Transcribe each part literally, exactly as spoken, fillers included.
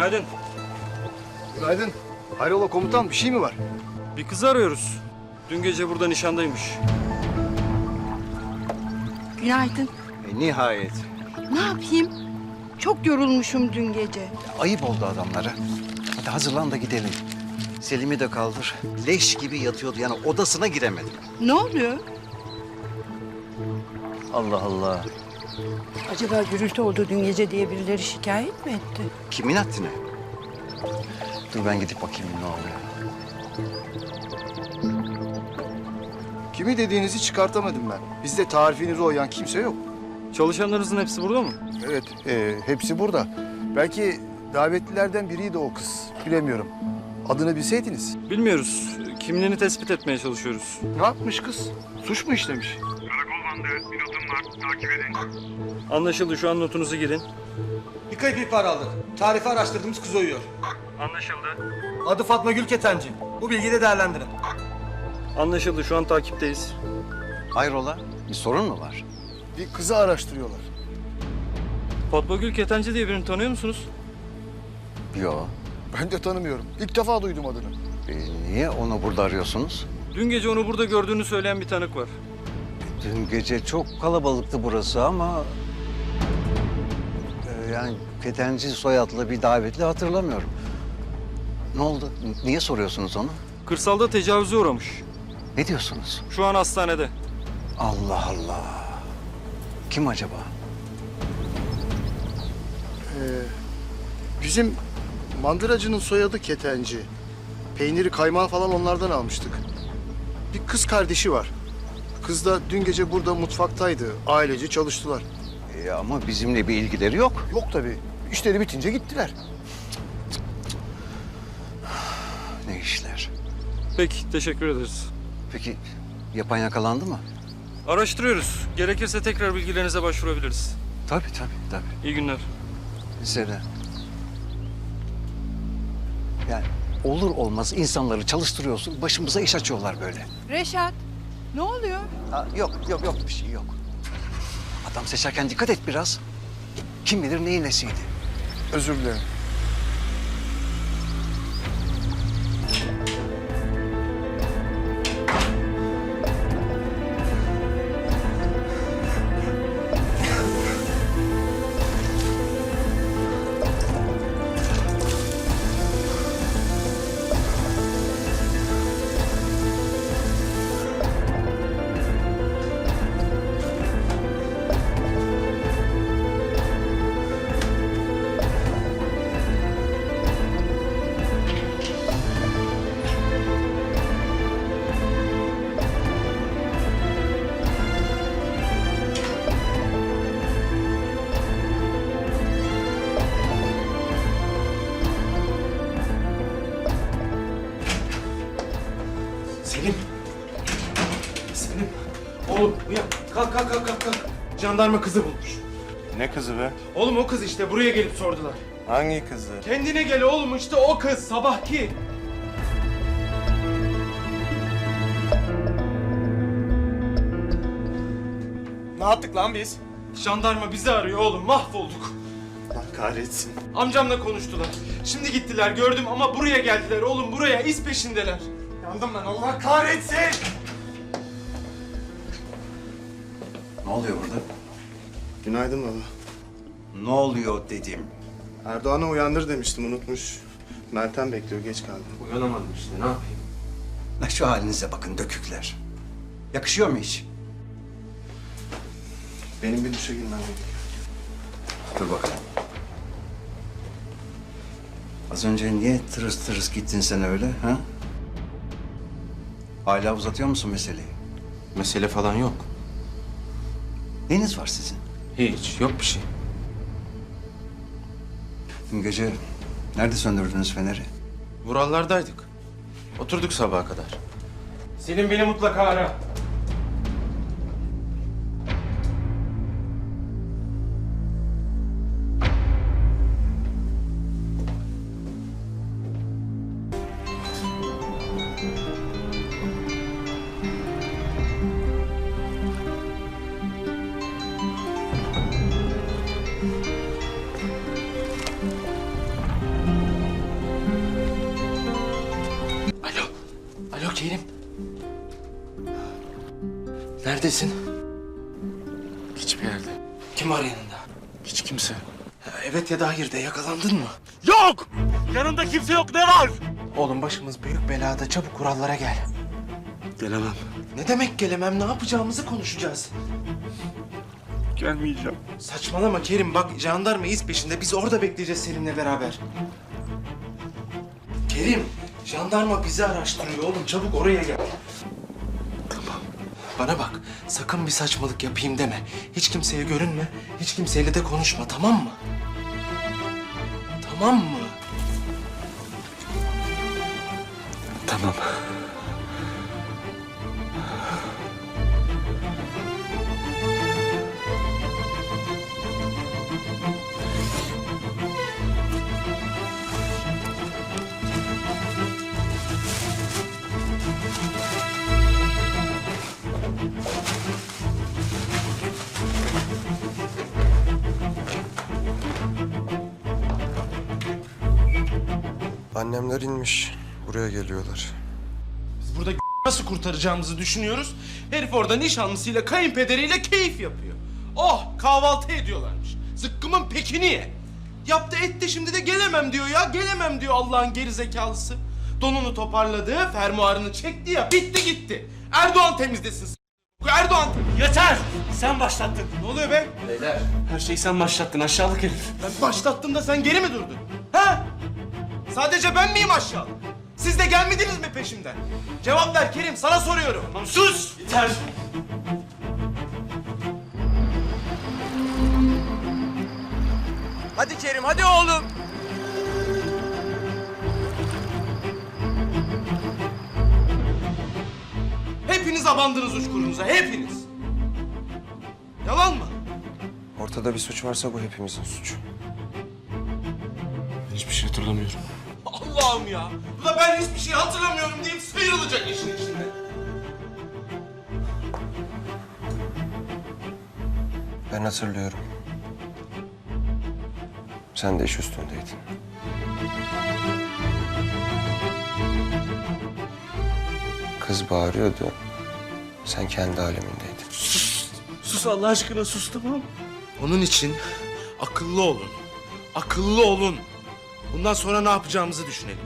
Günaydın. Günaydın. Hayrola komutan, bir şey mi var? Bir kızı arıyoruz. Dün gece burada nişandaymış. Günaydın. E, nihayet. Ne yapayım? Çok yorulmuşum dün gece. Ayıp oldu adamlara. Hadi hazırlan da gidelim. Selim'i de kaldır. Leş gibi yatıyordu, yani odasına giremedim. Ne oluyor? Allah Allah. Acaba gürültü oldu dün gece diye birileri şikayet mi etti? Kimin haddine? Dur ben gidip bakayım ne oluyor. Kimi dediğinizi çıkartamadım ben. Bizde tarifinize uyan kimse yok. Çalışanlarınızın hepsi burada mı? Evet, e, hepsi burada. Belki davetlilerden biriydi o kız. Bilemiyorum. Adını bilseydiniz. Bilmiyoruz. Kimliğini tespit etmeye çalışıyoruz. Ne yapmış kız? Suç mu işlemiş? Karakol bandı, bir notum var, takip edin. Anlaşıldı. Şu an notunuzu girin. Bir kayıp ihbar aldık. Tarifi araştırdığımız kız uyuyor. Anlaşıldı. Adı Fatma Gül Ketenci. Bu bilgiyi de değerlendirin. Anlaşıldı. Şu an takipteyiz. Hayrola? Bir sorun mu var? Bir kızı araştırıyorlar. Fatma Gül Ketenci diye birini tanıyor musunuz? Yo. Ben de tanımıyorum. İlk defa duydum adını. E, niye onu burada arıyorsunuz? Dün gece onu burada gördüğünü söyleyen bir tanık var. Dün gece çok kalabalıktı burası ama... e, yani Ketenci soyadlı bir davetli hatırlamıyorum. Ne oldu? Niye soruyorsunuz onu? Kırsalda tecavüze uğramış. Ne diyorsunuz? Şu an hastanede. Allah Allah. Kim acaba? Bizim mandıracının soyadı Ketenci. Peyniri, kaymağı falan onlardan almıştık. Bir kız kardeşi var. Kız da dün gece burada mutfaktaydı. Ailece çalıştılar. E, ama bizimle bir ilgileri yok. Yok tabii. İşleri bitince gittiler. Ne işler? Peki. Teşekkür ederiz. Peki yapan yakalandı mı? Araştırıyoruz. Gerekirse tekrar bilgilerinize başvurabiliriz. Tabii tabii tabii. İyi günler. Size de. Yani olur olmaz insanları çalıştırıyorsun, başımıza iş açıyorlar böyle. Reşat, ne oluyor? Ha, yok yok yok bir şey yok. Adam seçerken dikkat et biraz. Kim bilir neyin nesiydi. Özür dilerim. Selim. Selim. Oğlum uyan. Kalk kalk kalk kalk. kalk. Jandarma kızı bulmuş. Ne kızı be? Oğlum o kız işte buraya gelip sordular. Hangi kızı? Kendine gel oğlum işte o kız sabahki. Ne yaptık lan biz? Jandarma bizi arıyor oğlum mahvolduk. Allah kahretsin. Amcamla konuştular. Şimdi gittiler gördüm ama buraya geldiler oğlum buraya iz peşindeler. Yandım ben Allah kahretsin. Ne oluyor burada? Günaydın baba. Ne oluyor dedim. Erdoğan'ı uyandır demiştim unutmuş. Meltem bekliyor geç kaldı. Uyanamadım işte ne yapayım? La şu halinize bakın dökükler. Yakışıyor mu hiç? Benim bir duşa girmem gerekiyor. Dur bakalım. Az önce niye tırıs tırıs gittin sen öyle ha? Hala uzatıyor musun meseleyi? Mesele falan yok. Neyiniz var sizin? Hiç, yok bir şey. Dün gece nerede söndürdünüz feneri? Vurallardaydık. Oturduk sabaha kadar. Senin beni mutlaka ara. Neredesin? Hiçbir yerde. Kim var yanında? Hiç kimse. Ha, evet ya da hayır de, yakalandın mı? Yok! Yanında kimse yok, ne var? Oğlum başımız büyük belada, çabuk kurallara gel. Gelemem. Ne demek gelemem, ne yapacağımızı konuşacağız. Gelmeyeceğim. Saçmalama Kerim, bak jandarma iz peşinde, biz orada bekleyeceğiz Selim'le beraber. Kerim, jandarma bizi araştırıyor oğlum, çabuk oraya gel. Tamam. Bana bak, sakın bir saçmalık yapayım deme. Hiç kimseye görünme, hiç kimseyle de konuşma, tamam mı? Tamam mı? Tamam. Annemler inmiş. Buraya geliyorlar. Biz burada nasıl kurtaracağımızı düşünüyoruz. Herif orada nişanlısıyla, kayınpederiyle keyif yapıyor. Oh, kahvaltı ediyorlarmış. Zıkkımın pekini ye. Yaptı etti, şimdi de gelemem diyor ya. Gelemem diyor Allah'ın gerizekalısı. Donunu toparladı, fermuarını çekti ya. Bitti gitti. Erdoğan temizlesin. s- Erdoğan. Yeter! Sen başlattın. Ne oluyor be? Her şeyi sen başlattın aşağılık herif. Ben başlattığımda sen geri mi durdun? Ha? Sadece ben miyim aşağılık? Siz de gelmediniz mi peşimden? Cevap ver Kerim, sana soruyorum. Tamam sus! Yeter! Hadi Kerim, hadi oğlum. Hepiniz abandınız uçkurunuza, hepiniz. Yalan mı? Ortada bir suç varsa bu hepimizin suçu. Hiçbir şey hatırlamıyorum. Allah'ım ya. Bu da ben hiçbir şey hatırlamıyorum deyip sıyrılacak işin içinde. Ben hatırlıyorum. Sen de iş üstündeydin. Kız bağırıyordu. Sen kendi alemindeydin. Sus Allah aşkına, sus tamam. Onun için akıllı olun. Akıllı olun. Bundan sonra ne yapacağımızı düşünelim.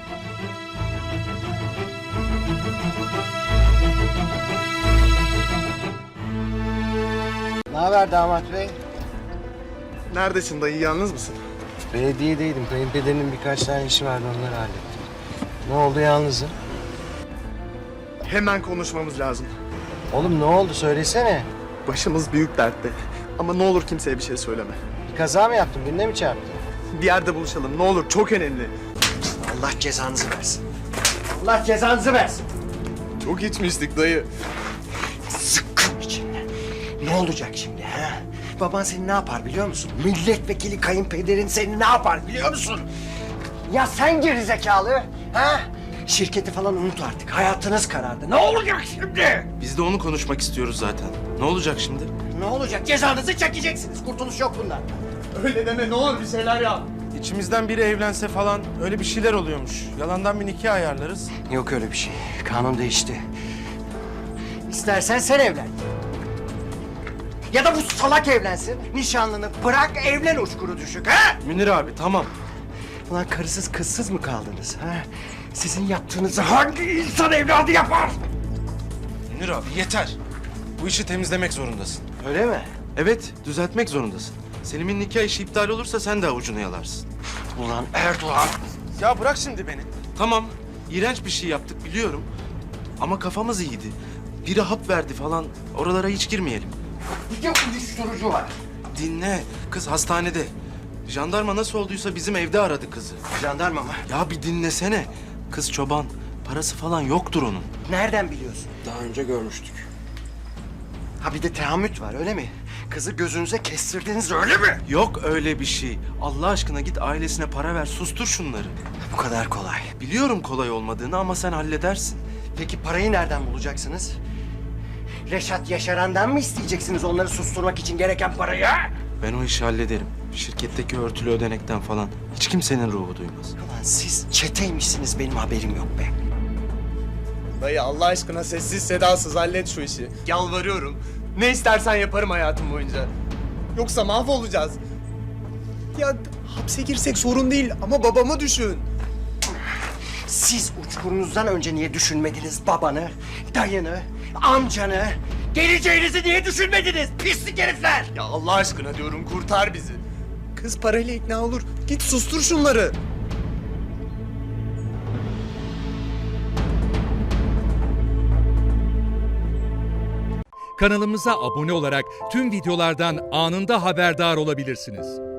Ne haber damat bey? Neredesin dayı? Yalnız mısın? Belediyedeydim. Kayınpederinin birkaç tane işi vardı, onları hallettim. Ne oldu, yalnızım? Hemen konuşmamız lazım. Oğlum ne oldu, söylesene. Başımız büyük dertte. Ama ne olur kimseye bir şey söyleme. Bir kaza mı yaptın, birine mi çarptın? Bir yerde buluşalım. Ne olur, çok önemli. Allah cezanızı versin. Allah cezanızı versin. Çok içmiştik dayı. Zıkkım içinde. Ne olacak şimdi ha? Baban seni ne yapar biliyor musun? Milletvekili kayınpederin seni ne yapar biliyor musun? Ya sen gerizekalı ha? Şirketi falan unut artık. Hayatınız karardı. Ne olacak şimdi? Biz de onu konuşmak istiyoruz zaten. Ne olacak şimdi? Ne olacak? Cezanızı çekeceksiniz. Kurtuluş yok bundan. Öyle deme, ne olur bir şeyler yap. İçimizden biri evlense falan öyle bir şeyler oluyormuş. Yalandan bir nikah ayarlarız. Yok öyle bir şey. Kanun değişti. İstersen sen evlen. Ya da bu salak evlensin. Nişanlını bırak, evlen uçkuru düşük ha? Münir abi tamam. Ulan karısız kızsız mı kaldınız ha? Sizin yaptığınızı hangi insan evladı yapar? Münir abi yeter. Bu işi temizlemek zorundasın. Öyle mi? Evet, düzeltmek zorundasın. Selim'in nikah işi iptal olursa sen de avucunu yalarsın. Ulan Erdoğan. Ya bırak şimdi beni. Tamam, iğrenç bir şey yaptık biliyorum. Ama kafamız iyiydi. Biri hap verdi falan, oralara hiç girmeyelim. Bir de uyuşturucu var. Dinle, kız hastanede. Jandarma nasıl olduysa bizim evde aradı kızı. Jandarma mı? Ya bir dinlesene. Kız çoban, parası falan yoktur onun. Nereden biliyorsun? Daha önce görmüştük. Ha bir de teamüt var öyle mi? Kızı gözünüze kestirdiniz öyle mi? Yok öyle bir şey. Allah aşkına git ailesine para ver, sustur şunları. Bu kadar kolay. Biliyorum kolay olmadığını ama sen halledersin. Peki parayı nereden bulacaksınız? Reşat Yaşaran'dan mı isteyeceksiniz onları susturmak için gereken parayı? Ben o işi hallederim. Şirketteki örtülü ödenekten falan hiç kimsenin ruhu duymaz. Ulan siz çeteymişsiniz benim haberim yok be. Dayı Allah aşkına sessiz sedasız hallet şu işi. Yalvarıyorum. Ne istersen yaparım hayatım boyunca. Yoksa mahvolacağız. Ya hapse girsek sorun değil ama babamı düşün. Siz uçkurunuzdan önce niye düşünmediniz babanı, dayını, amcanı? Geleceğinizi niye düşünmediniz pislik herifler? Ya Allah aşkına diyorum kurtar bizi. Kız parayla ikna olur. Git sustur şunları. Kanalımıza abone olarak tüm videolardan anında haberdar olabilirsiniz.